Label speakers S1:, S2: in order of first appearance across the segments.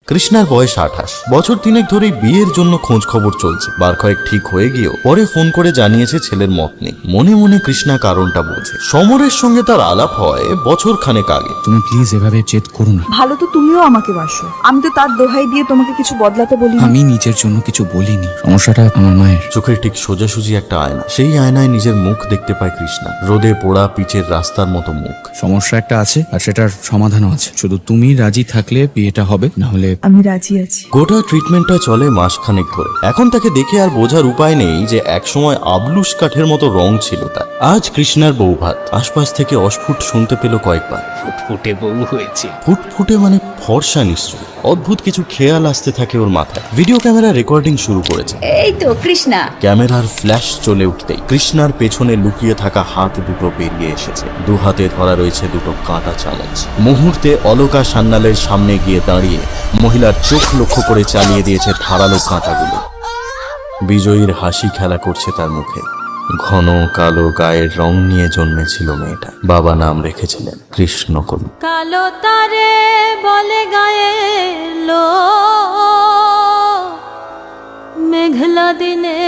S1: কৃষ্ণার বয়স 28। বছর 3 ধরেই বিয়ের জন্য খোঁজ খবর চলছে। বার কয়েক ঠিক হয়ে গিয়েও পরে ফোন করে জানিয়েছে ছেলের মত নেই। মনে মনে কৃষ্ণা কারণটা বোঝে। সমরের সঙ্গে তার আলাপ হয় বছর খানেক আগে।
S2: তুমি প্লিজ এভাবে জেদ করো না।
S3: ভালো তো তুমিও আমাকে বাসো, আমি তো তার দোহাই দিয়ে তোমাকে কিছু বদলাতে বলি।
S2: আমি নিজের জন্য কিছু বলিনি, সমস্যাটা আমার মায়ের।
S1: চোখের ঠিক সোজাসুজি একটা আয়না, সেই আয়নায় নিজের মুখ দেখতে পায় কৃষ্ণা। রোদে পোড়া পিচের রাস্তার মতো মুখ।
S2: সমস্যা একটা আছে আর সেটার সমাধানও আছে, শুধু তুমি রাজি থাকলে বিয়েটা হবে, না হলে।
S3: আমি রাজি আছি।
S1: গোটা ট্রিটমেন্টটা চলে মাসখানেক ধরে। এখন তাকে দেখে আর বোঝার উপায় নেই যে একসময় আবলুস কাঠের মতো রং ছিল তার। আজ কৃষ্ণার বৌভাত। আশপাশ থেকে অস্ফুট শুনতে পেল কয়েকবার,
S2: ফুটফুটে বউ হয়েছে।
S1: ফুটফুটে মানে ফর্সা নিশ্চয়। অদ্ভুত কিছু খেয়াল আসতে থাকে ওর মাথায়। ভিডিও ক্যামেরা রেকর্ডিং শুরু করেছে।
S4: এই তো কৃষ্ণা।
S1: ক্যামেরার ফ্ল্যাশ চলে উঠতেই কৃষ্ণার পেছনে লুকিয়ে থাকা হাত দুটো বেরিয়ে এসেছে। দু হাতে ধরা রয়েছে দুটো কাঁটা চামচ। মুহূর্তে অলকা সান্যালের সামনে গিয়ে দাঁড়িয়ে মহিলার চোখ লক্ষ্য করে চালিয়ে দিয়েছে ধারালো কাঁটাগুলো। বিজয়ীর হাসি খেলা করছে তার মুখে। ঘন কালো গায়ের রং নিয়ে জন্মেছিল মেয়েটা। বাবা নাম রেখেছিলেন কৃষ্ণকলু।
S4: কালো তারে বলে গায়ে লো, মেঘলা দিনে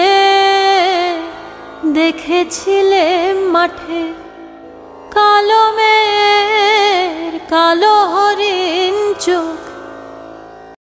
S4: দেখেছিলে মাঠে, কালো মেয়ের কালো হরিণ চোখ